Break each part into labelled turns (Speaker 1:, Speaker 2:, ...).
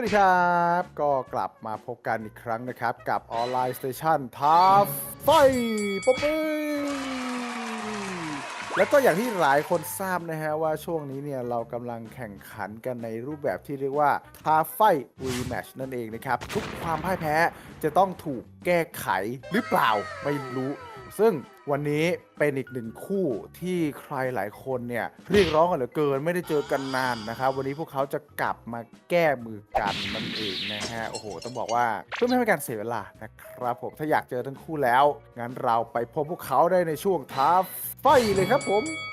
Speaker 1: ดีครับก็กลับมาพบกันอีกครั้งนะครับกับออนไลน์สเตชันท้าไฟป๊อบปี้แล้วก็อย่างที่หลายคนทราบนะฮะว่าช่วงนี้เนี่ยเรากำลังแข่งขันกันในรูปแบบที่เรียกว่าท้าไฟรีแมชนั่นเองนะครับทุกความพ่ายแพ้จะต้องถูกแก้ไขหรือเปล่าไม่รู้ซึ่งวันนี้เป็นอีกหนึ่งคู่ที่ใครหลายคนเนี่ยเรียกร้องกันเหลือเกินไม่ได้เจอกันนานนะครับวันนี้พวกเขาจะกลับมาแก้มือกันนั่นเองนะฮะโอ้โหต้องบอกว่าเพื่อไม่ให้เป็นการเสียเวลานะครับผมถ้าอยากเจอทั้งคู่แล้วงั้นเราไปพบพวกเขาได้ในช่วงท้าไฟเลยครับผม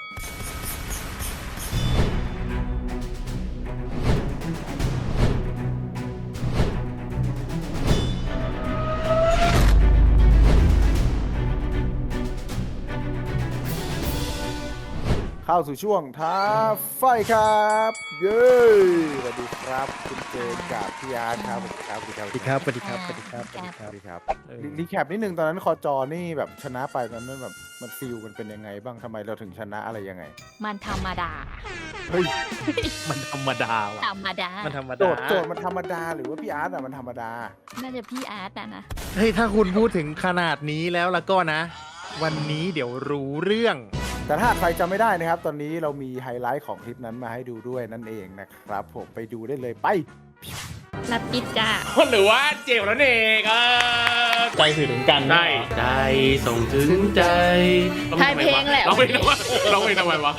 Speaker 1: เข้าสู่ช่วงท้าไฟครับเย้สวัสดีครับคุณเจนกับพี่อาร์ตครับสวัสดีครับ
Speaker 2: สวัสดีครับสวัสดีครับสวัสดีครับสวัสดีค
Speaker 1: ส
Speaker 2: รับ
Speaker 1: วัสดีครับรีแคปนิดนึงตอนนั้นคอจอนี่แบบชนะไปตอนนั้นแบบมันฟิลมันเป็นยังไงบ้างทำไมเราถึงชนะอะไรยังไง
Speaker 3: มันธรรมดา
Speaker 1: เฮ้ย
Speaker 2: มันธรรมดาว่ะ
Speaker 3: ธรรมดา
Speaker 2: มันธรรม
Speaker 1: โจ
Speaker 2: ดา
Speaker 1: ทย์มันธรรมดาหรือว่าพี่อาร์ตอะมันธรรมดา
Speaker 3: น่าจะพี่อาร์ตนะ
Speaker 2: เฮ้ยถ้าคุณพูดถึงขนาดนี้แล้วก็นะ วันนี้เดี๋ยวรู้เรื่อง
Speaker 1: แต่ถ้าใครจำไม่ได้นะครับ ตอนนี้เรามีไฮไลท์ของคลิปนั้นมาให้ดูด้วยนั่นเองนะครับผมไปดูได้เลยไป
Speaker 3: นัดปิดจ้า
Speaker 4: หรือว่าเจลแล้วเอง
Speaker 2: ใจสื่อถึงกัน
Speaker 4: ได้ใจส่งถึงใจ
Speaker 3: ทายเพลงแหละ
Speaker 4: ร้องเพลงทำไมร้องเพลงทำไมวะ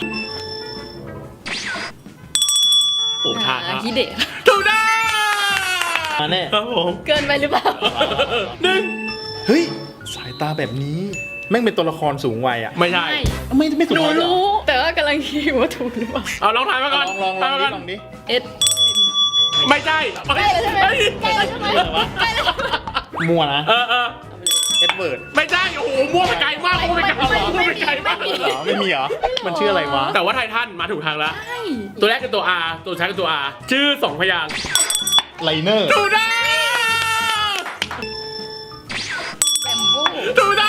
Speaker 4: โอ้ท่า
Speaker 3: ฮิเดะ
Speaker 4: ถูกได้
Speaker 2: มาแน่
Speaker 4: ครับผม
Speaker 3: เกินไปหรือเปล่า
Speaker 4: หนึ่ง
Speaker 2: เฮ้ยสายตาแบบนี้แม่งเป็นตัวละครสูงวัยอ่ะ
Speaker 4: ไม่ใช่
Speaker 2: ไม่สูง
Speaker 3: หนู
Speaker 2: วัยเหรอ
Speaker 3: รู้ แต่ว่ากำลังคิดว่าถูกหรือเปล่า
Speaker 4: เอาลองทายมาก่อน
Speaker 2: ลอง
Speaker 4: ทายมาก่อน
Speaker 2: ลองดิ
Speaker 3: เอ็ด
Speaker 4: ไม่ใช่
Speaker 3: ใกล้แล้วใช่ไหมใกล้แล้วใช่ไหมใกล้แล้ว
Speaker 2: มั่วนะ
Speaker 4: เออ
Speaker 2: เอ็ดเวิร์ด
Speaker 4: ไม่ใช่โอ้โหมั่วไปไกลมากมั่วไปไกลมากมั่วไปไกลมาก
Speaker 2: เหรอไม่มีเหรอมันชื่ออะไรวะ
Speaker 4: แต่ว่าไททันมาถูกทางแล้ว
Speaker 3: ใช่
Speaker 4: ตัวแรกคือตัว R ตัวสุดท้ายคือตัว R ชื่อ2พยางค์
Speaker 2: ไลเนอร์
Speaker 4: ถูกได้
Speaker 3: แบมบู
Speaker 4: ถูกได้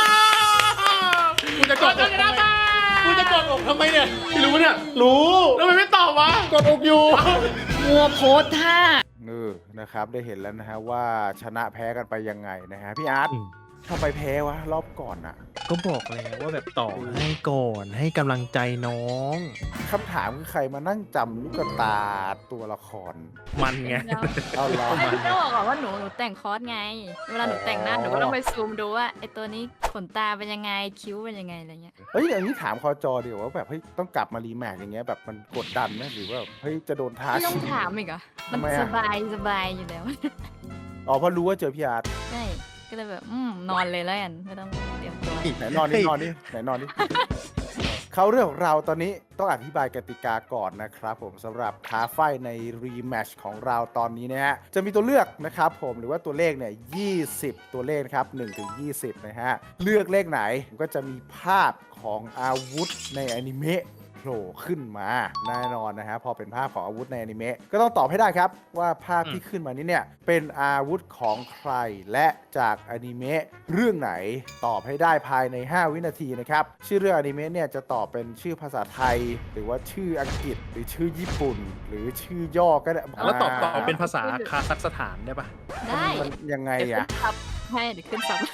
Speaker 2: กูจะกดอกทำไมกูจะกดอกทำไมเนี่ย
Speaker 4: ไม่รู้เนี่ย
Speaker 2: รู้
Speaker 4: แล้วมันไม่ตอบวะ
Speaker 2: กดอกอยู่
Speaker 3: มัวโพสท่า
Speaker 1: นะครับได้เห็นแล้วนะฮะว่าชนะแพ้กันไปยังไงนะฮะพี่อาร์ตทำไมแพ้วะรอบก่อนอะ
Speaker 2: ก็บอกแล้วว่าแบบต่อให้ก่อนให้กำลังใจน้อง
Speaker 1: คำถามคือใครมานั่งจำลูกตาตัวละคร
Speaker 2: มันไง
Speaker 1: เอาล้อ
Speaker 3: ไม่
Speaker 1: มา
Speaker 3: ต้องบอกก่อนว่าหนูแต่งคอสไง เวลาหนูแต่งหน้าหนูก็ต้องไปซูมดูว่าไอตัวนี้ขนตาเป็นยังไงคิ้วเป็นยังไงอะไรเงี้ย
Speaker 1: เฮ้ยอย่างนี้ถามคอจอเดี๋ยวว่าแบบเฮ้ยต้องกลับมารีแมทอย่างเงี้ยแบบมันกดดันไหมหรือว่าเฮ้ยจะโดนท้า
Speaker 3: ไม่ต้อง
Speaker 1: ชิง
Speaker 3: ถามอีกเหรอมัน
Speaker 1: ทำไมอะ
Speaker 3: สบายอยู่แล้ว
Speaker 1: อ๋อเพราะรู้ว่าเจอพี่อาร์ต
Speaker 3: ใช่ ก็เลยแบบนอนเลยแล้วกันไม่ต้องเตรียมตัว
Speaker 1: ไหนนอนนี่นอนนี่ไหนนอนนี่ เขาเรื่องของเราตอนนี้ต้องอธิบายกติกาก่อนนะครับผมสำหรับท้าไฟในรีแมชของเราตอนนี้นะฮะจะมีตัวเลือกนะครับผมหรือว่าตัวเลขเนี่ย20 ตัวเลขนะครับ1ถึง20นะฮะเลือกเลขไหนก็จะมีภาพของอาวุธในอนิเมะโผล่ขึ้นมาแน่นอนนะฮะพอเป็นภาพของอาวุธในอนิเมะก็ต้องตอบให้ได้ครับว่าภาพที่ขึ้นมานี้เนี่ยเป็นอาวุธของใครและจากอนิเมะเรื่องไหนตอบให้ได้ภายใน 5 วินาทีนะครับชื่อเรื่องอนิเมะเนี่ยจะตอบเป็นชื่อภาษาไทย หรือว่าชื่ออังกฤษหรือชื่อญี่ปุ่น หรือชื่อย่อก็ได้
Speaker 2: แล้วตอบเป็นภาษาคาซัคสถานได้ปะ
Speaker 3: ได้
Speaker 1: มันยังไง
Speaker 3: เดี๋ยว
Speaker 1: อะ
Speaker 3: ขึ้นซับให้เดี๋ยวขึ้นซับ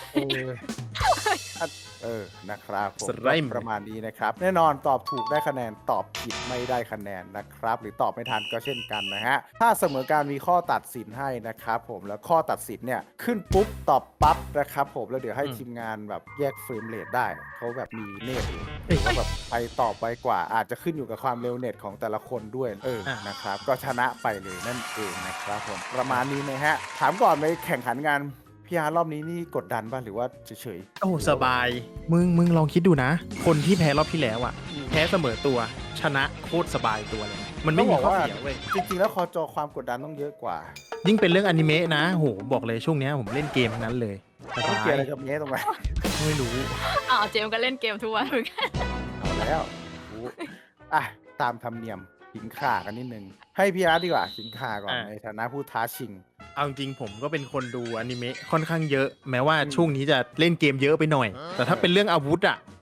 Speaker 1: นะครับผม
Speaker 2: สไลม์
Speaker 1: ประมาณนี้นะครับแน่นอนตอบถูกได้คะแนนตอบผิดไม่ได้คะแนนนะครับหรือตอบไม่ทันก็เช่นกันนะฮะถ้าเสมอการมีข้อตัดสินให้นะครับผมแล้วข้อตัดสินเนี่ยขึ้นปุ๊บตอบปั๊บนะครับผมแล้วเดี๋ยวให้ทีมงานแบบแยกเฟรมเรทได้เขาแบบมีเนตอยู่เขาแบบไปตอบไวกว่าอาจจะขึ้นอยู่กับความเร็วเน็ตของแต่ละคนด้วยนะครับก็ชนะไปเลยนั่นเองนะครับผมประมาณนี้นะฮะถามก่อนไปแข่งขันงานพี่อาร์รอบนี้นี่กดดันป่ะหรือว่าเฉย
Speaker 2: โอ้สบาย มึงลองคิดดูนะ คนที่แพ้รอบที่แล้วอ่ะ แพ้เสมอตัวชนะโคตรสบายตัวเลย มันไม่มีข้อเสียเว้ย
Speaker 1: จริงๆแล้วคอจอความกดดันต้องเยอะกว่า
Speaker 2: ยิ่งเป็นเรื่องอนิเมะนะโหบอกเลยช่วงเนี้ยผมเล่นเกมทั้งนั้นเลยส
Speaker 1: ต้อง
Speaker 2: บา
Speaker 1: เกี่ย
Speaker 2: ยว
Speaker 1: อะไรกับเนี้ยตรงไหน
Speaker 2: ไม่รู้
Speaker 3: เจมส์ก็เล่นเกมทุกวันเหมือนกัน
Speaker 1: เอาแล้วอ่ะตามธรรมเนียมขิงข่ากันนิดนึงให้พี่อาร์ตดีกว่าขิงข่าก่อนในฐานะผู้ท้าชิง
Speaker 2: เอาจริงผมก็เป็นคนดูอนิเมะค่อนข้างเยอะ แม้ว่าช่วงนี้จะเล่นเกมเยอะไปหน่อย แต่ถ้าเป็นเรื่องอาวุธอ่ะ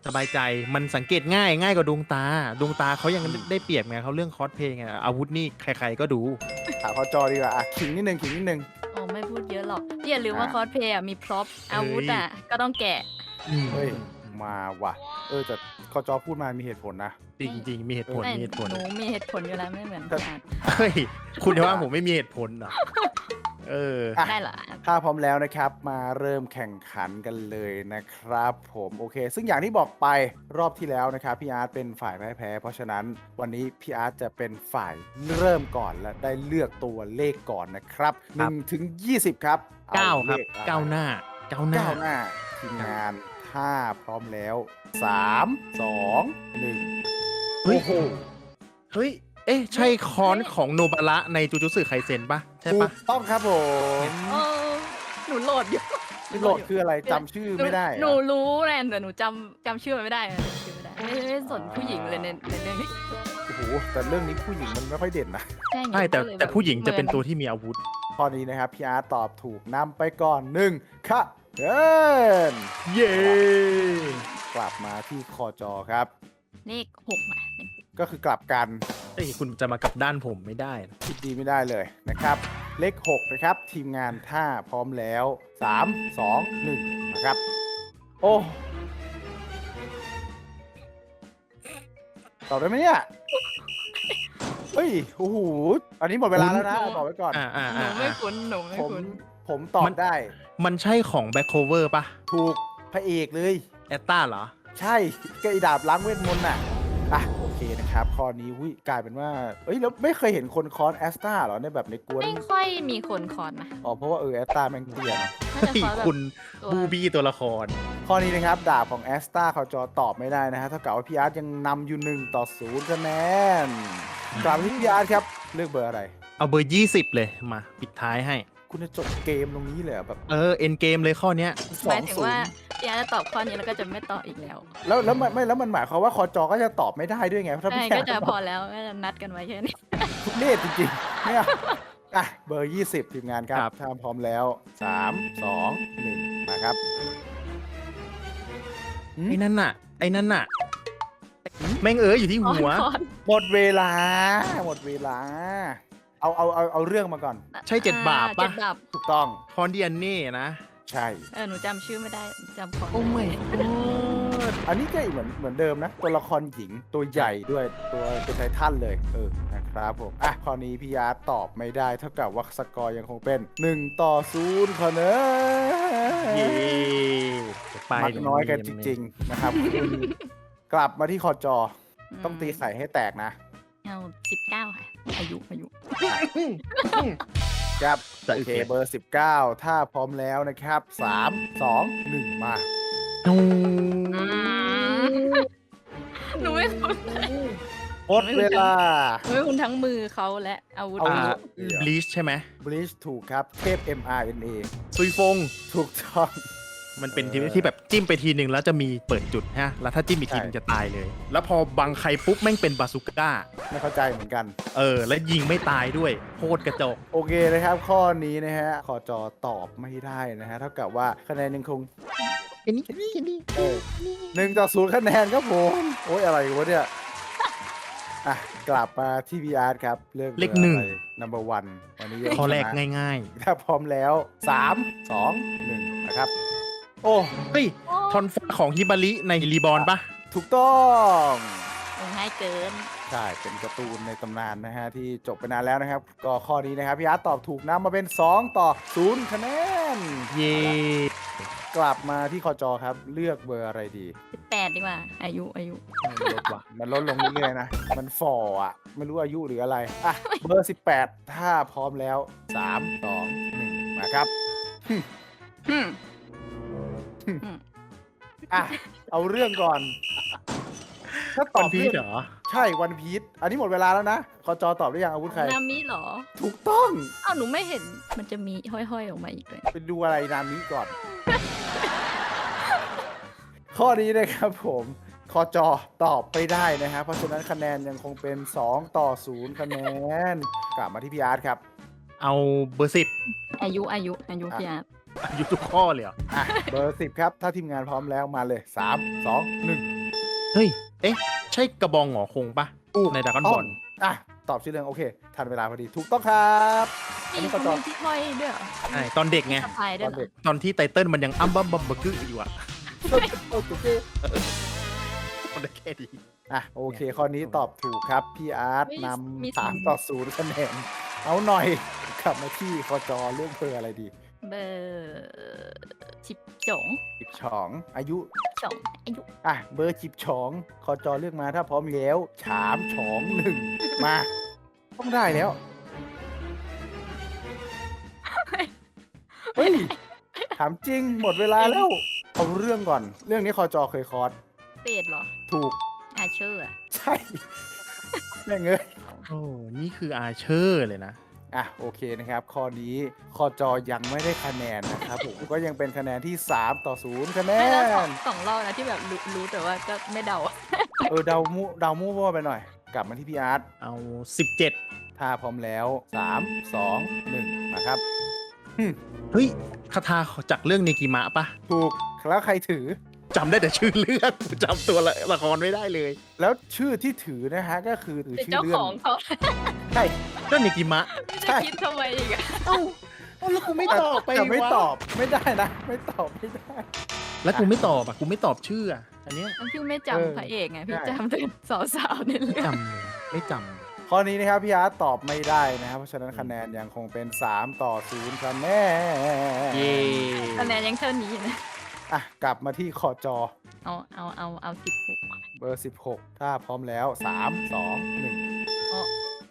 Speaker 2: สบายใจมันสังเกตง่ายกว่าดวงตาเขายังได้เปรียบไงเขาเรื่องคอสเพลย์ไงอาวุธนี่ใครๆก็ดู
Speaker 1: ถามคอจอดีกว่าอ่ะขิงนิดนึง
Speaker 3: โอ้ไม่พูดเยอะหรอกพี่อย่าลืมว่า
Speaker 1: อ่ะ
Speaker 3: คอสเพลย์มีพร็อพอาวุธอ่ะก็ต้องแกะ
Speaker 1: เฮ้ยมาว่ะแต่คอจอพูดมามีเหตุผลนะ
Speaker 2: จริงมีเหตุผล
Speaker 3: แต่
Speaker 2: มีเหตุผล
Speaker 3: หนูมีเหตุผลอยู่แล้วไม่เหมือนพี่อาร์ต
Speaker 2: เฮ้ยคุณจะว่าผมไม่มีเหตุผลเหรอเออ
Speaker 1: อ่ะ
Speaker 3: ได้เหรอ
Speaker 1: ถ้าพร้อมแล้วนะครับมาเริ่มแข่งขันกันเลยนะครับผมโอเค ซึ่งอย่างที่บอกไปรอบที่แล้วนะครับพี่อาร์ตเป็นฝ่ายแพ้เพราะฉะนั้นวันนี้พี่อาร์ตจะเป็นฝ่ายเริ่มก่อนและได้เลือกตัวเลขก่อนนะครับ
Speaker 2: ครับ
Speaker 1: 1 ถึง 20 ครับอ
Speaker 2: เก้า
Speaker 1: เล
Speaker 2: ครับ
Speaker 1: ขอะไร
Speaker 2: ก้าวหน้า
Speaker 1: ก้าวหน้าทีมงานถ้าพร้อมแล้ว 3 2 1
Speaker 2: เฮ้ย
Speaker 1: โอ้โห
Speaker 2: เฮ้ยเอ๊ะใช่คอนของโนบาระในจูจูสึไคเซ็นปะใช่
Speaker 1: ถู
Speaker 2: ปะ
Speaker 1: กต้องครับผม
Speaker 3: โอ้หนูโหลดอยู่
Speaker 1: โหลดคืออะไรจำชื่อไม่ได้
Speaker 3: หนู
Speaker 1: อะ
Speaker 3: รู้แหละแต่หนูจำชื่อมันไม่ได้อะจำชื่อไม่ได้ไม่สนผู้หญิงเลยในเรื่องนี้
Speaker 1: โอ้โหแต่เรื่องนี้ผู้หญิงมันไม่ค่อยเด่นนะ
Speaker 3: ใช่ไง
Speaker 2: ใช่แต่
Speaker 3: ก็เลย
Speaker 2: แต่
Speaker 3: บบ
Speaker 2: ผู้หญิงจะเป็นตัวที่มีอาวุธ
Speaker 1: ข้อนี้นะครับพี่อาร์ตตอบถูกนำไปก่อน1ค่ะเดิน
Speaker 2: เย้
Speaker 1: กลับมาที่คอจอครับ
Speaker 3: เลข6อ่ะ
Speaker 1: ก็คือกลับกัน
Speaker 2: เอ้ยคุณจะมากลับด้านผมไม่ได้นะ
Speaker 1: คิดดีไม่ได้เลยนะครับ เลข 6 นะครับ ทีมงานถ้าพร้อมแล้ว 3 2 1 นะครับ โอ้ตอบได้ไหมเนี่ย เฮ้ยโอ้โหอันนี้หมดเวลาแล้วนะบอกไว้ก่อน
Speaker 3: หนูไม่คุ้นหนูไม่
Speaker 1: ผม
Speaker 3: คุ้น
Speaker 1: ผมตอบได้
Speaker 2: มันใช่ของแบ็คโคเวอร์ปะ
Speaker 1: ถูกพระเอกเลย
Speaker 2: แอตตาเหรอ
Speaker 1: ใช่ก็ไอีดาบล้างเวทมนต์น่ะโอเคนะครับ ข้อนี้กลายเป็นว่าแล้วไม่เคยเห็นคนคอนแอสตาเหรอในแบบในกวน
Speaker 3: ไม่ค่อยมีคนคอนนะ
Speaker 1: เพราะว่าแอสตาแม่งเตี้ยเนอะ
Speaker 3: น่าจะ
Speaker 2: เฮ้ย
Speaker 3: คอนแบบ
Speaker 2: คุณ
Speaker 3: ตัว
Speaker 2: บูบี้ตัวละคร
Speaker 1: ข้อนี้นะครับดาบของแอสตาเขาจอตอบไม่ได้นะฮะเท่ากับว่าพี่อาร์ตยังนำอยู่1-0คะแนนกลับมาที่พี่อาร์ตครับเลือกเบอร์อะไร
Speaker 2: เอาเบอร์ 20 เลยมาปิดท้ายให้
Speaker 1: คุณจะจบเกมตรงนี้เลยเหรอแบบ
Speaker 2: เอ็นเกมเลยข้อเนี้ย
Speaker 3: หมายถึงว่า
Speaker 1: 2-0
Speaker 3: พี่อาร์ตจะตอบข้อนี้แล้วก็จะไม่ตอบอีกแล้ว
Speaker 1: แล้วมันหมายความว่าคอจอก็จะตอบไม่ได้ด้วยไงถ้า
Speaker 3: ใช่
Speaker 1: พี่
Speaker 3: ก็
Speaker 1: อาร์ต
Speaker 3: จะพอแล้วก็จะนัดกันไว้แค่นี้
Speaker 1: ทุเรศจริงๆเนี่ยเบอร์ 20 ทีมงานครับถ้าพร้อมแล้ว 3 2 1นะครับ
Speaker 2: ไอ้นั่นน่ะแม่งอยู่ที่หัว
Speaker 3: คอน
Speaker 1: หมดเวลา เอาเรื่องมาก่อน
Speaker 2: ใช่7 บาปปะ
Speaker 3: 7 บาป
Speaker 1: ถูกต้อง
Speaker 2: คอนเดียนเน่นะ
Speaker 1: ใช่
Speaker 3: หนูจำชื่อไม่ได้จำคอน
Speaker 2: โอ้ไม่
Speaker 1: อันนี้ก็เหมือนเดิมนะ ตัวละครหญิงตัวใหญ่ด้วยตัวเป็นไททันเลยนะครับผมข้อนี้พี่ยาร์ตตอบไม่ได้เท่ากับว่าสกอร์ยังคงเป็น1-0คะแน
Speaker 2: เย้
Speaker 1: นมักน้อยกันจริงๆนะครับ กลับมาที่คอจอต้องตีไข่ให้แตกนะ
Speaker 3: เอา19 ค่ะ อายุ
Speaker 1: ครับ
Speaker 2: จะ
Speaker 1: โอเคเบอร์ 19 ถ้าพร้อมแล้วนะครับ 3 2 1 มา
Speaker 2: โอ้
Speaker 3: หนูไม่คุ้น
Speaker 1: หมดเวลา
Speaker 3: หนูไม่คุ้นทั้งมือเขาและอาวุธ
Speaker 1: อาวุธ
Speaker 2: บลีชใช่ไหม
Speaker 1: บลิชถูกครับ เทพ mRNA
Speaker 2: ซุยฟง
Speaker 1: ถูกต้อง
Speaker 2: มันเป็นที่แบบจิ้มไปทีหนึ่งแล้วจะมีเปิดจุดฮะ แล้วถ้าจิ้มอีกทีนึงจะตายเลย แล้วพอบังใครปุ๊บแม่งเป็นบาซูก้า
Speaker 1: ไม่เข้าใจเหมือนกัน
Speaker 2: แล้วยิงไม่ตายด้วยโคตรกระจอก
Speaker 1: โอเคนะครับ ข้อนี้นะฮะขอจอตอบไม่ได้นะฮะ เท่ากับว่าคะแนนยังคง1-0คะแนนครับผม โอ้ยอะไรวะเนี่ย กลับมาที่พีอาร์ครับเลือก
Speaker 2: เลข 1
Speaker 1: number 1วันนี้
Speaker 2: ข้อแรก
Speaker 1: ชนะ
Speaker 2: ง่าย
Speaker 1: ถ้าพร้อมแล้ว 3 2 1 นะครับ โอ้
Speaker 2: ๆ เฮ้ย ทอนฟ้าของฮิบาริในรีบอร์นปะ
Speaker 1: ถูกต้อง
Speaker 3: ง่ายเกิน
Speaker 1: ใช่ เป็นการ์ตูนในตำนานนะฮะ ที่จบไปนานแล้วนะครับ ก็ข้อนี้นะครับพี่อาร์ตตอบถูกนะมาเป็น 2-0 คะแนน
Speaker 2: เย่
Speaker 1: กลับมาที่คอจอครับ เลือกเบอร์อะไรดี
Speaker 3: 18 ดีกว่า อายุ
Speaker 2: ลดว่ะ
Speaker 1: มันลดลงเรื่อยๆนะ มันฝ่อไม่รู้อายุหรืออะไร เบอร์ 18 ถ้าพร้อมแล้ว 3 2 1 มาครับ เอาเรื่องก่อน ถ้าต
Speaker 2: ต
Speaker 1: อ
Speaker 2: อน
Speaker 1: บ
Speaker 2: พี
Speaker 1: เรื่อง
Speaker 2: เหรอ
Speaker 1: ใช่วันพีชอันนี้หมดเวลาแล้วนะคอจอตอบได้ยังอาวุธใคร
Speaker 3: นามิเหรอ
Speaker 1: ถูกต้อง
Speaker 3: อ้าวหนูไม่เห็นมันจะมีห้อยๆออกมาอีกเลย
Speaker 1: ไปดูอะไรนามิก่อน ข้อนี้นะครับผมคอจอตอบไม่ได้นะฮะเพราะฉะนั้นคะแนนยังคงเป็น2-0คะแนนกลับมาที่พี่อาร์ตครับ
Speaker 2: เอาเบอร์ 10
Speaker 3: อายุพี่อาร์ต
Speaker 2: อายุทุกข้อเลยเหรอ
Speaker 1: เบอร์ 10 ครับ ถ้าทีมงานพร้อมแล้วมาเลย 3 2 1
Speaker 2: เฮ้ย เอ๊ะ ใช่กระบองหงอคงปะในดราก้อนบอล
Speaker 1: อ่ะตอบชื่อเรื่องโอเคทันเวลาพอดีถูกต้องครับอันนี้
Speaker 3: เขา
Speaker 1: เขาตอบ
Speaker 3: มีที่ห้อยด้วยเหรอ
Speaker 2: ใช่ ตอนเด็กไง
Speaker 3: สะพายด้วยเหรอ
Speaker 2: ตอนที่ไตเติ้ลมันยังอ้ำบัมบัมบักกึอยู่อะ
Speaker 1: โอเค
Speaker 2: มันได้แค่นี้
Speaker 1: อ่ะโอเคข้อนี้ตอบถูกครับพี่อาร์ตนำ3-0คะแนนเอาหน่อยกลับมาที่คจเรื่องเบอร์อะไรดี
Speaker 3: เบอร์ชิบจง
Speaker 1: จิบฉองอายุ
Speaker 3: จงอายุ
Speaker 1: อ่ะเบอร์จิบฉองคจเลือกมาถ้าพร้อมแล้วฉามฉองหนึ่งมาต้องได้แล้วเฮ้ยถามจริงหมดเวลาแล้วเอาเรื่องก่อนเรื่องนี้คจเคยคอร์ส
Speaker 3: เป็ดเหรอ
Speaker 1: ถูก
Speaker 3: อาเชอร์อะ
Speaker 1: ใช่แม่งเอ้ย
Speaker 2: โอ้ นี่คืออาเชอร์เลยนะ
Speaker 1: อ่ะโอเคนะครับ ข้อนี้คจยังไม่ได้คะแนนนะครับผมก็ยังเป็นคะแนนที่3-0คะแน
Speaker 3: ไม่แล้วสอง
Speaker 1: น
Speaker 3: สองรอบนะที่แบบรู้แต่ว่าก็ไม่เดาอะ
Speaker 1: เดามั่วไปหน่อย กลับมาที่พี่อาร์ต
Speaker 2: เอา 17
Speaker 1: ถ้าพร้อมแล้ว 3 2 1มาครับ
Speaker 2: เฮ้ยคาถาจากเรื่องเนกิมะปะ
Speaker 1: ถูกแล้วใครถือ
Speaker 2: จำได้แต่ชื่อเรื่องกูจำตัวละครไม่ได้เลย
Speaker 1: แล้วชื่อที่ถือนะฮะก็คือถือ
Speaker 3: เป็น
Speaker 1: ชื่อ
Speaker 3: เจ้า
Speaker 1: เรื่
Speaker 3: ข
Speaker 1: อ
Speaker 3: อง งเขา
Speaker 1: ใช่
Speaker 2: ก็เนกิมะ
Speaker 3: ไม่ได้คิดทำไมอีกอะ
Speaker 2: เอ้าแล้วกูไม่ตอบไป
Speaker 1: แต่ไม่
Speaker 2: วะ
Speaker 1: ตอบไม่ได้นะ ไม่ตอบไม่ได้
Speaker 2: แล้วกูไม่ตอบอ่ะกูไม่ตอบชื่ออ่ะอันเนี้ย
Speaker 3: แล้วพี่ไม่
Speaker 1: เออ
Speaker 3: จำพระเอกไงพี่
Speaker 1: ใช่
Speaker 3: จำแต่สาวๆใน
Speaker 2: ไม่
Speaker 3: เรื่อง
Speaker 2: จำเลยไม่จำเลย
Speaker 1: ข้อนี้นะครับพี่อาร์ตตอบไม่ได้นะครับเพราะฉะนั้นคะแนนยังคงเป็น3-0คะแนน
Speaker 2: เย้
Speaker 3: คะแนนยังเท่านี้นะ
Speaker 1: อ่ะกลับมาที่คอจอ
Speaker 3: เอา16
Speaker 1: เบอร์ 16 ถ้าพร้อมแล้ว 3 2 1
Speaker 3: อ๋อ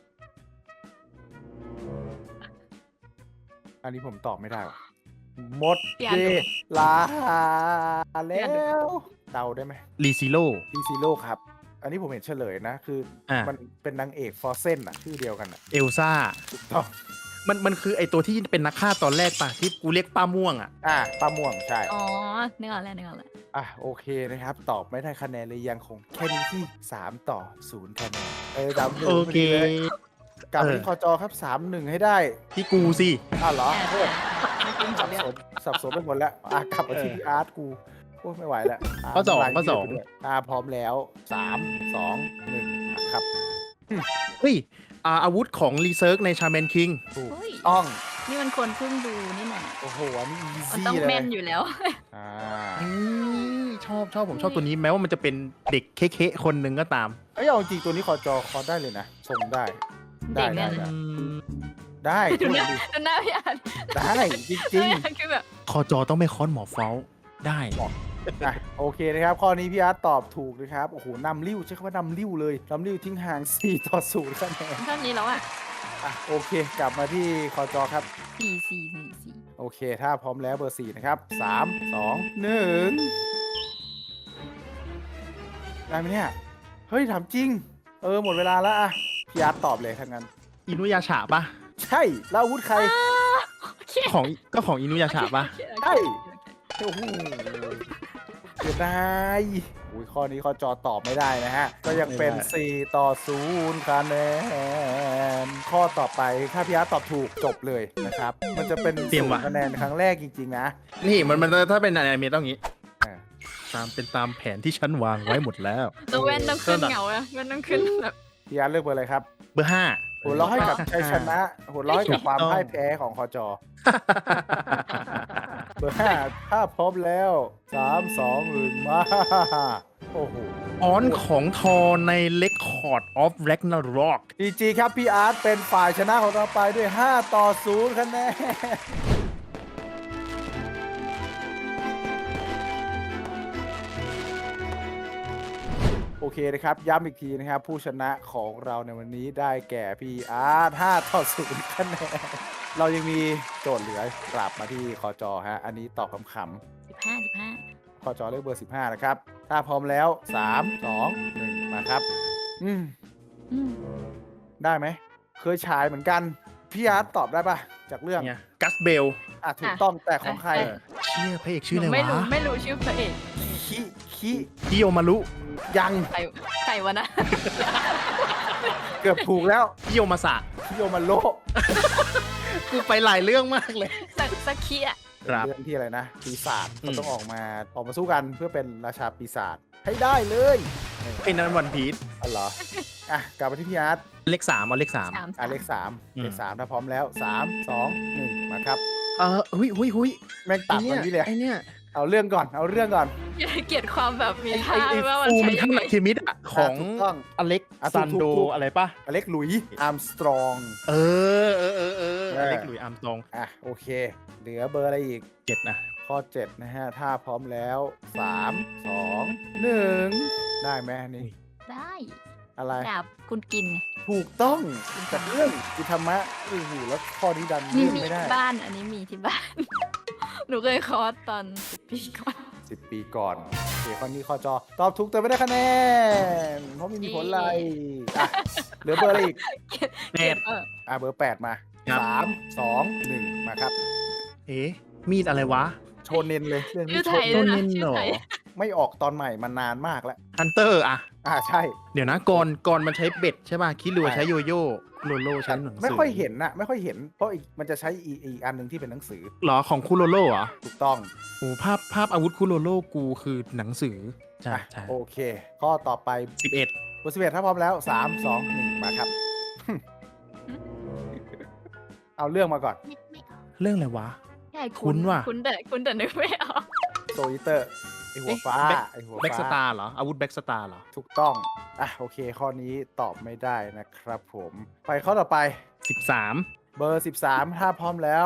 Speaker 1: อันนี้ผมตอบไม่ได้ว่ะหมด
Speaker 3: เปลี่ยน
Speaker 1: เว
Speaker 3: ดู
Speaker 1: ลา
Speaker 3: เปลี่
Speaker 1: แล้
Speaker 3: ยนดู
Speaker 1: ว เดาได้ไหม
Speaker 2: รีซิโร่
Speaker 1: พี่ซีโร่ครับ อันนี้ผมเห็นเฉลยนะ คืออ
Speaker 2: อ่ะ
Speaker 1: มันเป็นนางเอกฟอร์เซนอะชื่อเดียวกันอะ
Speaker 2: เอลซ่า
Speaker 1: ถูกต้อง
Speaker 2: มันคือไอตัวที่เป็นนักฆ่าตอนแรกปะที่กูเรียกป้าม่วงอ่ะ
Speaker 1: ป้าม่วงใช่
Speaker 3: อ๋อนึกออกแล้วนึกออกแล้ว
Speaker 1: โอเคนะครับ ตอบไม่ได้คะแนนเลยยังคงแค่นี้ที่3-0คะแนนจำยู่
Speaker 2: โอเค
Speaker 1: พดีเลยกลับมาที่คอจอครับ 3-1 ให้ได้
Speaker 2: ที่กูสิ
Speaker 1: เหรอโทษ
Speaker 3: ไม่คุ้ม
Speaker 1: สั
Speaker 3: กับบ เรื่อง
Speaker 1: สนสับสนไปหมดแล้วกลับมาที่พี่อาร์ตกูโอ้ไม่ไหวแล้ว
Speaker 2: ข้อสอง
Speaker 1: น้ำลาย
Speaker 2: ข้อสอง
Speaker 1: ยืดไปด้วยพร้อมแล้ว 3 2 1 ครับ
Speaker 2: เฮ้ยอาวุธของรีเซิร์กในชาแมนคิง
Speaker 1: ถูก
Speaker 3: เฮ้ย
Speaker 1: ต้อง
Speaker 3: นี่มันคนเพิ่งดูนี่นะ
Speaker 1: โอ้โห อันนี้อี
Speaker 3: มัน
Speaker 1: ซี่
Speaker 3: ต้อง
Speaker 1: เลย
Speaker 3: แม่นอยู่แล้ว
Speaker 1: อ่า
Speaker 2: ชอบผมชอบตัวนี้แม้ว่ามันจะเป็นเด็กเค้ๆคนหนึ่งก็ตาม
Speaker 1: เอ้ยเอาจริงตัวนี้คอจอคอได้เลยนะส่งได้ ได้
Speaker 3: เด็กเนี่ย
Speaker 1: ได้
Speaker 2: อืม
Speaker 1: ได้
Speaker 3: ดู
Speaker 1: ช่วย
Speaker 3: หน้า
Speaker 1: ดิ
Speaker 3: ดูหน้าพี่อาร์ต
Speaker 1: ได้จริง
Speaker 3: คือแบบ
Speaker 2: คอจอต้องไม่ค้อนหมอเฟ้าได้
Speaker 1: โอเคนะครับ ข้อนี้พี่อาร์ตตอบถูกนะครับ โอ้โหนำริ้วใช้คำว่านำริ้วเลยนำริ้วทิ้งห่าง4-0คะแนน
Speaker 3: เท่านี้แล้วอ่ะ
Speaker 1: โอเค กลับมาที่คอจอครับ
Speaker 3: 4
Speaker 1: โอเค ถ้าพร้อมแล้วเบอร์ 4 นะครับ 3 2 1 ได้ไหมเนี่ย เฮ้ย ถามจริง หมดเวลาแล้วอะพี่อาร์ตตอบเลยทั้างนั้น
Speaker 2: อินุยาฉะปะ
Speaker 1: ใช่ แล้วอาวุธใคร
Speaker 3: โอเค
Speaker 2: ของอินุยาฉะปะ
Speaker 1: ใช่ โอ้โหเสียดายอุ้ยข้อนี้ข้อจอตอบไม่ได้นะฮะ ก็ยังเป็น 4-0คะแนน ข้อต่อไปถ้าพี่อาร์ตตอบถูกจบเลยนะครับ มันจะเป็น
Speaker 2: เตรียมว่ะ
Speaker 1: 0คะแนนครั้งแรกจริงๆนะ
Speaker 2: นี่มันถ้าเป็นอนิเมะต้องงี้
Speaker 1: อ่า
Speaker 2: ตามแผนที่ฉันวางไว้หมดแล้ว
Speaker 3: ตัวแว่นต้องขึ้นเหงาอะแว่นต้องขึ้นแบบ
Speaker 1: พี่อาร์ตเลือกเบอร์อะไรครับ
Speaker 2: เบอร์
Speaker 1: หัวเราะให้กับชัยชนะหัวเราะให้กับความ
Speaker 2: ถูกต้อง
Speaker 1: พ่ายแพ้ของคอจอ เบอร์ 5 ถ้าพร้อมแล้ว 3 2 1 มา โอ้โห
Speaker 2: ออนของทอใน Record of Ragnarok
Speaker 1: ดีจีครับ พี่อาร์ตเป็นฝ่ายชนะของเราไปด้วย 5-0 คะแนน โอเคนะครับ ย้ำอีกทีนะครับ ผู้ชนะของเราในวันนี้ได้แก่พี่อาร์ต5-0 คะแนน เรายังมีโจทย์เหลือกลับมาที่คอจอฮะ อันนี้ตอบขำๆ
Speaker 3: 15
Speaker 1: คอจอเลือกเบอร์ 15 นะครับ ถ้าพร้อมแล้ว 3 2 1 มาครับ
Speaker 3: อืม
Speaker 1: ได้ไหม เคยฉายเหมือนกัน พี่อาร์ตตอบได้ปะจากเรื่อง
Speaker 2: เนี่ยกัสเบล
Speaker 1: ถูกต้องแต่ของใคร
Speaker 2: เชี่ยพระเอกชื่อ
Speaker 3: ห
Speaker 2: อะ
Speaker 3: นู
Speaker 2: ไร
Speaker 3: ไม่รู้
Speaker 2: วะ
Speaker 3: ชื่อพระเอก
Speaker 1: คิคิ
Speaker 2: ฮิโอมารุ
Speaker 1: ยัง
Speaker 3: ใครวะนะ
Speaker 1: เกือบถูกแล้ว
Speaker 2: ฮิโอมาสะ
Speaker 1: คิโยมันโล
Speaker 2: กูไปหลายเรื่องมากเลย
Speaker 3: สักคีอะ
Speaker 1: เป็นเรื่องที่อะไรนะปีศาจเขาต้องออกมาสู้กันเพื่อเป็นราชาปีศาจให้ได้เลย
Speaker 2: ไอ้นั้นวันพีช
Speaker 1: อ๋อเหรออ่ะกลับมาที่พี่อาร์ต
Speaker 2: เลขสามเอาเลขสาม
Speaker 3: สาม
Speaker 1: อ่ะเลขสามถ้าพร้อมแล้ว3 2 1มาครับ
Speaker 2: หุย
Speaker 1: แม่ง
Speaker 2: ไอ
Speaker 1: ตัด
Speaker 2: เนี้
Speaker 1: มั
Speaker 2: ย
Speaker 1: นนี่เลย
Speaker 2: ไอเนี้ย
Speaker 1: เอาเรื่องก่อน
Speaker 3: เกลียดความแบบมีท่า
Speaker 2: ไอ
Speaker 3: ว่ามัน
Speaker 2: ฟู
Speaker 3: ใช้
Speaker 2: มิ
Speaker 3: ยั
Speaker 2: ทั
Speaker 3: ง
Speaker 2: น
Speaker 3: ไง
Speaker 2: อะเคมิดอะของ
Speaker 1: ถูกต้อง
Speaker 2: อเล็ก
Speaker 1: อ่ะ
Speaker 2: ซันโด
Speaker 1: ถูก
Speaker 2: อะไรปะ
Speaker 1: อเล็กหลุยอาร์มสตรอง
Speaker 2: เอออเล็กหลุยอาร์มสตรอง
Speaker 1: อ่ะโอเค เหลือเบอร์อะไรอีก
Speaker 2: 7นะ
Speaker 1: ข้อ 7 นะฮะ ถ้าพร้อมแล้ว 3 2 1 ได้ไหมอันนี่
Speaker 3: ได้
Speaker 1: อะไร
Speaker 3: ดาบคุณกิน
Speaker 1: ถูกต้องจากเรื่องกิธรรมะโอ้โหแล้วข้อนี้ดัน
Speaker 3: นี่
Speaker 1: เลื่อน
Speaker 3: มี
Speaker 1: ไม่ได้
Speaker 3: ที่บ้านอันนี้มีที่บ้าน หนูเคยคอร์สตอน10 ปีก่อน
Speaker 1: 10 ปีก่อนโอเคข้อนี้ข้อจอ ตอบถูกแต่ไม่ได้คะแนน เพราะไม่มีผลอะไรอ่ะเหลือเบอร์อะไรอีก
Speaker 2: แปด
Speaker 1: เบอร์ 8 มา
Speaker 2: ครับ
Speaker 1: 3 2 1 มาครับ
Speaker 2: เอ๊ะมีดอะไรวะ
Speaker 1: โชเนนเลยเรื่อง
Speaker 3: ชื่
Speaker 1: นี้
Speaker 3: อ
Speaker 1: โช
Speaker 3: ไทย
Speaker 1: เน
Speaker 3: ด้วย
Speaker 1: น
Speaker 3: นะ
Speaker 2: โดน
Speaker 3: ชื่อ
Speaker 2: เหรอ
Speaker 3: ไทย
Speaker 1: ไม่ออกตอนใหม่มานานมากแล้ว
Speaker 2: ฮันเตอร์อะ
Speaker 1: ใช่
Speaker 2: เดี๋ยวนะก่อนมันใช้เบ็ดใช่ป่ะคิรัวใช้โยโย่โลโลใช้หนังสือ
Speaker 1: ไม่ค่อยเห็นนะไม่ค่อยเห็น เพราะมันจะใช้อีกอันหนึ่งที่เป็นหนังสือ
Speaker 2: หรอของคุโรโลเหรอ
Speaker 1: ถูกต้อง
Speaker 2: โอ้ภาพอาวุธคุโรโลกูคือหนังสือใช่
Speaker 1: อ่ะ
Speaker 2: ใช่
Speaker 1: โอเค ข้อต่อไป
Speaker 2: 11
Speaker 1: เบอร์11ถ้าพร้อมแล้ว 3 2 1 มาครับ เอาเรื่องมาก่อน
Speaker 3: ไม่ออก
Speaker 2: เรื่องอะไรวะ
Speaker 3: ใช่
Speaker 2: คุ้นว่ะ
Speaker 3: คุ้นแต่นึกไม่ออก
Speaker 1: โซอิเตอร์ไอหัวฟ้า
Speaker 2: เอ๊ะ
Speaker 1: ไอหัว
Speaker 2: แบ็กส
Speaker 1: ฟ้า
Speaker 2: ตาร์เหรออาวุธแบ็กสตาร์เหรอ
Speaker 1: ถูกต้องอ่ะโอเค ข้อนี้ตอบไม่ได้นะครับผม ไปข้อต่อไป
Speaker 2: 13
Speaker 1: เบอร์ 13 ถ้าพร้อมแล้ว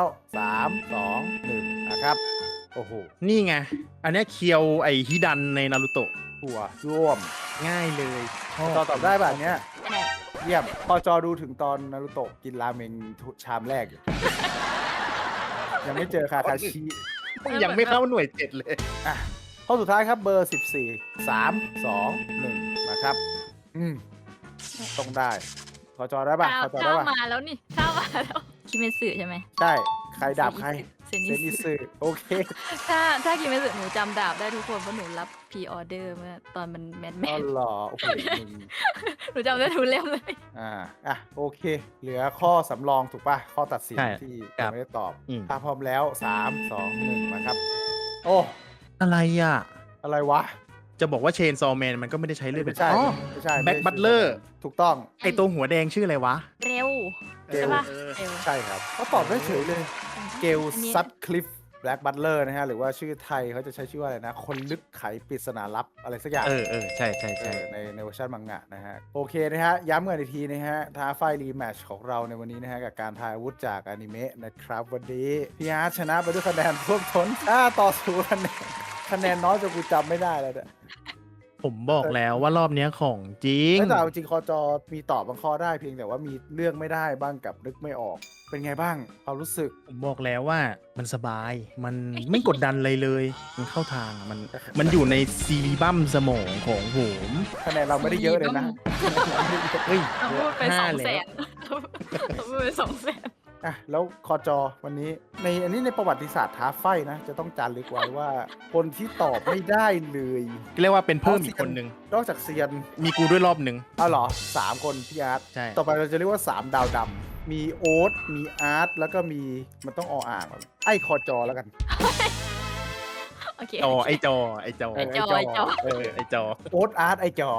Speaker 1: 3 2 1 นะครับ โอ้โห
Speaker 2: นี่ไง อันเนี้ยเคียวไอฮิดันในนารูโตะ
Speaker 1: หัวร่วม
Speaker 2: ง่ายเลย
Speaker 1: ตอบได้แบบเนี้ย
Speaker 3: ไม่ได้
Speaker 1: เยี่ยมพอจอดูถึงตอนนารุโตะกินราเมงชามแรกอยู่ ยังไม่เจอคาคาชิ
Speaker 2: ยังไม่เข้าหน่วย7เลย
Speaker 1: อ่ะข้อสุดท้ายครับเบอร์ 14 3 2 1 มาครับ ต้องได้พอจอได้ป่ะพอจอได้
Speaker 3: ถ้า
Speaker 1: ป่ะ
Speaker 3: มาแล้วนี่ถ้ามาแล้วคิเมสึใช่ไหม
Speaker 1: ใช่ใครดาบใคร
Speaker 3: เซ
Speaker 1: เซ
Speaker 3: นิ
Speaker 1: นิ
Speaker 3: สึ
Speaker 1: สึโอเค
Speaker 3: ถ้าคิเมสึหนูจำดาบได้ทุกคนเพราะหนูรับพรีออเดอร์เมื่อตอนมันแมน
Speaker 1: อ๋อเหรอโอ้โหมึง
Speaker 3: หนูจำได้ทุกเล่มเลย
Speaker 1: โอเค เหลือข้อสำรองถูกป่ะ ข้อตัดสิน
Speaker 2: ใช่
Speaker 1: ที่
Speaker 2: ครับ
Speaker 1: ไม่ได้ตอบ
Speaker 2: อืม
Speaker 1: ถ้าพร้อมแล้ว 3 2 1 มาครับ โอ้
Speaker 2: อะไรอ่ะ
Speaker 1: อะไรวะ
Speaker 2: จะบอกว่าเชนซอแมนมันก็ไม่ได้ใช้เลือด
Speaker 1: ไม่
Speaker 2: เป็น
Speaker 1: ใช่
Speaker 2: อ๋อ
Speaker 1: ไม่ใช่
Speaker 2: แบ็คบัตเลอร์
Speaker 1: ถูกต้อง
Speaker 2: ไอตัวหัวแดงชื่ออะไรวะ
Speaker 3: เร็ว
Speaker 1: เกล
Speaker 3: ใช่ปะ
Speaker 2: เออ
Speaker 3: เร็ว
Speaker 1: ใช่ครับเขาตอบได้เฉยเลย เกล
Speaker 3: อันนี้
Speaker 1: ซัตคลิฟแบล็กบัตเลอร์นะฮะ หรือว่าชื่อไทยเขาจะใช้ชื่อว่าอะไรนะ คนลึกไขปริศนาลับอะไรสักอย่าง
Speaker 2: ใช่ใช่ใช่
Speaker 1: ในเวอร์ชันมังงะนะฮะ โอเคนะฮะ ย้ำกันอีกทีนะฮะ ท้าไฟรีแมตช์ของเราในวันนี้นะฮะ กับการทายอาวุธจากอนิเมะนะครับ วันนี้พี่อาร์ตชนะไปด้วยคะแนนท่วมท้นต่อ0คะแนนน้อยจนกูจำไม่ได้แล้วเนี่ย
Speaker 2: ผมบอกแล้วว่ารอบเนี้ยของจริง
Speaker 1: แต่เอาจริงคอจอมีตอบบางข้อได้เพียงแต่ว่ามีเลือกไม่ได้บ้างกับนึกไม่ออก เป็นไงบ้างความรู้สึก
Speaker 2: ผมบอกแล้วว่ามันสบาย มันไม่กดดันอะไรเลย มันเข้าทางอะมันอยู่ในซีรีบัมสมองของผม
Speaker 1: คะแนนเราไม่ได้เยอะเลยนะ
Speaker 2: เฮ้ย
Speaker 3: เราพูดไป
Speaker 2: ห้า
Speaker 3: 200,000
Speaker 2: แล้ว
Speaker 3: เราพูดไป200,000
Speaker 1: อ่ะแล้วคอจอวันนี้อันนี้ในประวัติศาสตร์ท้าไฟนะ จะต้องจารึกไว้ว่า คนที่ตอบไม่ได้เลย
Speaker 2: เรียกว่าเป็นเพิ่มอีกคนนึง
Speaker 1: นอกจากเซียน
Speaker 2: มีกูด้วยรอบหนึ่ง
Speaker 1: เอาเหรอ3 คนพี่อาร์ต
Speaker 2: ใช่
Speaker 1: ต่อไปเราจะเรียกว่า 3 ดาวดำมีโอ๊ตมีอาร์ตแล้วก็มีมันต้องอ่างไอ้คอจอแล้วกัน
Speaker 3: โอเค
Speaker 2: ไอจอ
Speaker 3: ไอจอไอจอ
Speaker 2: ไอจอ
Speaker 1: โอ๊ตอาร์ตไอจอ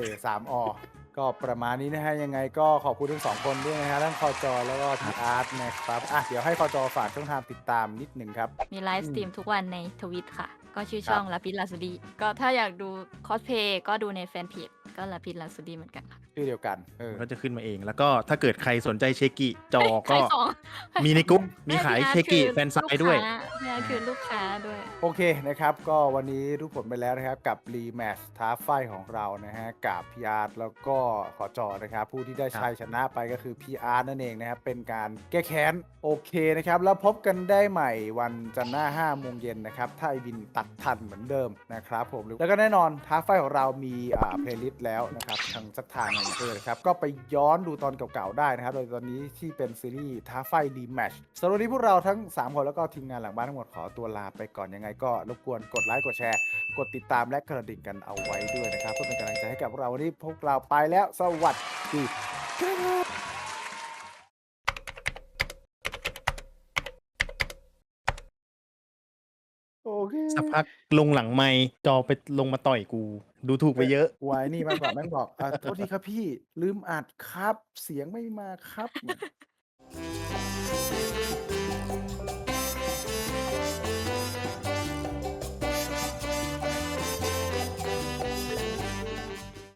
Speaker 1: 3 อก็ประมาณนี้นะฮะยังไงก็ขอบคุณทั้ง2 คนด้วยนะฮะทั้งคอจอแล้วก็พี่อาร์ตนะครับเดี๋ยวให้คอจอฝากช่องทางติดตามนิดหนึ่งครับ
Speaker 3: มีไลฟ์สตรีมทุกวันในทวิตค่ะ ก็ชื่อช่องลาพิสลาสุดีก็ถ้าอยากดูคอสเพย์ก็ดูในแฟนเพจก็ลาพิสลาสุดีเหมือนกันค่ะ
Speaker 1: ชื่อเดียวกัน
Speaker 2: ก็จะขึ้นมาเองแล้วก็ถ้าเกิดใครสนใจเชกิจอก็
Speaker 3: ขายของ
Speaker 2: มีในกรุ๊ปมีขายเชกิแฟนไซด์ด้วย
Speaker 3: เนี่ยคือลูกค้าด้วย
Speaker 1: โอเคนะครับก็วันนี้รู้ผลไปแล้วนะครับกับรีแมตช์ท้าไฟของเรานะฮะกับพีอาร์แล้วก็ขอจอนะครับผู้ที่ได้ชัยชนะไปก็คือพีอาร์นั่นเองนะครับเป็นการแก้แค้นโอเคนะครับแล้วพบกันได้ใหม่วันจันทร์หน้า5 โมงเย็นนะครับถ้าไอวินตัดทันเหมือนเดิมนะครับผมแล้วก็แน่นอนท้าไฟของเรามีเพลย์ลิสต์แล้วนะครับทางสักทางหนึงนะครับก็ไปย้อนดูตอนเก่าๆได้นะครับโดยตอนนี้ที่เป็นซีรีส์ท้าไฟรีแมตช์สำหรับวันนี้พวกเราทั้ง3 คนแล้วก็ทีมงานหลังบ้านทั้งหมดขอตัวลาไปก่อนยังไงก็รบกวนกดไลค์กดแชร์กดติดตามและกระดิ่งกันเอาไว้ด้วยนะครับเพื่อเป็นกำลังใจให้กับเราวันนี้พวกเราไปแล้วสวัสดีครับ
Speaker 2: พักลงหลังไมค์จอไปลงมาต่อยกู ดูถูกไปเยอะ
Speaker 1: วายนี่มากกว่าแม่งบอกโทษทีครับพี่ลืมอัดครับ เสียงไม่มาครับ